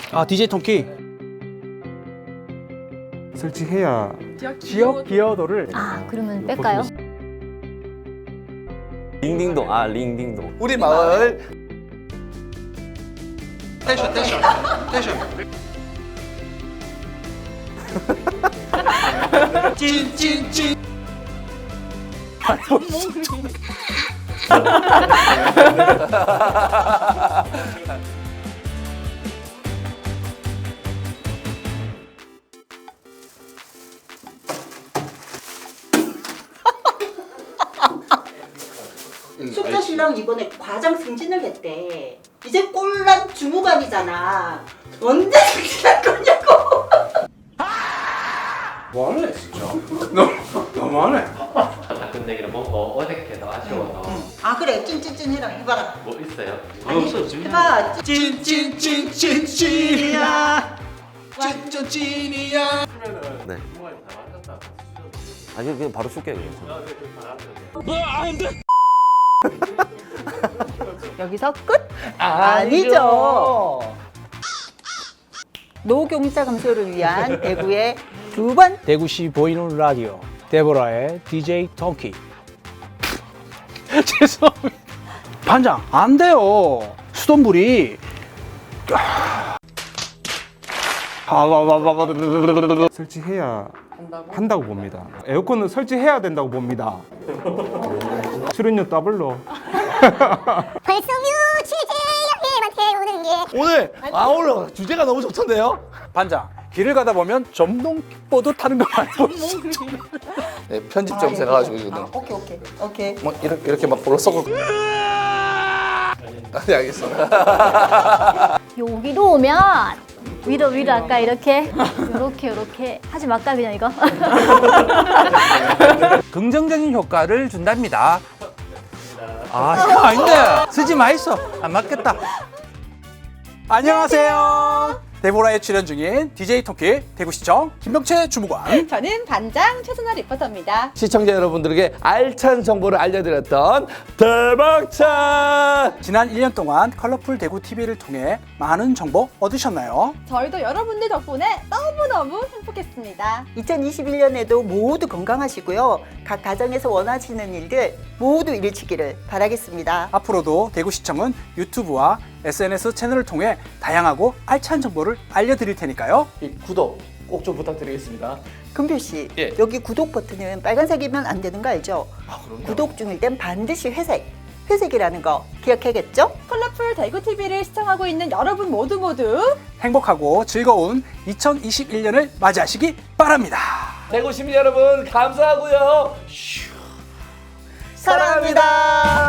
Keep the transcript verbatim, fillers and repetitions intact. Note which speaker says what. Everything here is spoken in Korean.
Speaker 1: 아, 디제이 통키.
Speaker 2: 설치해야
Speaker 1: 지역 기여도를.
Speaker 3: 아, 그러면 뺄까요?
Speaker 4: 링딩동. 아, 링딩동.
Speaker 5: 우리 마을
Speaker 6: 텐션 텐션 텐션 찐찐찐
Speaker 7: 숙자 신랑 이번에 과장 승진을 했대. 이제 꼴란 주무관이잖아. 언제 승진할 거냐고.
Speaker 6: 뭐하네 진짜 너무 너무하네
Speaker 4: 근데 뭐 어색해서 아쉬워서
Speaker 7: 아 그래 찐찐찐 해라 해봐라.
Speaker 4: 뭐 있어요?
Speaker 7: 아니 해봐.
Speaker 6: 찐찐찐찐찐이야 찐찐찐이야
Speaker 4: 네. 아니 그냥 바로 쏠게요 그냥.
Speaker 7: 여기서 끝? 아니죠. 노경자 감소를 위한 대구의 두 번.
Speaker 1: 대구시 보이는 라디오 데보라의 디제이 통키. 죄송합니다. 반장, 안 돼요. 수돗물이.
Speaker 2: 설치해야 한다고 봅니다. 에어컨은 설치해야 된다고 봅니다. 출연료 더블로.
Speaker 3: 벌써 뮤치제 형님한테 오는 게
Speaker 5: 오늘 아 오늘 주제가 너무 좋던데요?
Speaker 1: 반장, 길을 가다 보면 전동보드 타는 거 말고.
Speaker 5: 네, 편집점 제가 가지고 지금
Speaker 7: 아, 오케이 오케이 오케이.
Speaker 5: 뭐 이렇게 이렇게 막 볼로 썩고. 아, 네 알겠습니다.
Speaker 3: 여기로 오면 위로 위로 아까 이렇게 요렇게 요렇게 하지 말까 그냥 이거.
Speaker 1: 긍정적인 효과를 준답니다. 아, 이거 아닌데. 쓰지 마있어. 안 맞겠다. 안녕하세요. 데보라에 출연 중인 디제이 통키 대구시청 김병채 주무관.
Speaker 8: 저는 반장 최선아 리포터입니다.
Speaker 5: 시청자 여러분들에게 알찬 정보를 알려드렸던 대박찬.
Speaker 1: 지난 일 년 동안 컬러풀 대구 티비를 통해 많은 정보 얻으셨나요?
Speaker 8: 저희도 여러분들 덕분에 너무너무 행복했습니다.
Speaker 7: 이천이십일 년에도 모두 건강하시고요. 각 가정에서 원하시는 일들 모두 이루치기를 바라겠습니다.
Speaker 1: 앞으로도 대구시청은 유튜브와 에스엔에스 채널을 통해 다양하고 알찬 정보를 알려드릴 테니까요.
Speaker 5: 이 구독 꼭 좀 부탁드리겠습니다.
Speaker 7: 금표 씨,
Speaker 5: 예.
Speaker 7: 여기 구독 버튼은 빨간색이면 안 되는 거 알죠?
Speaker 5: 아, 그럼요.
Speaker 7: 구독 중일 땐 반드시 회색, 회색이라는 거 기억해야겠죠?
Speaker 8: 컬러풀 대구 티비를 시청하고 있는 여러분 모두 모두
Speaker 1: 행복하고 즐거운 이천이십일 년을 맞이하시기 바랍니다.
Speaker 5: 대구 시민 여러분 감사하고요. 슈.
Speaker 7: 사랑합니다.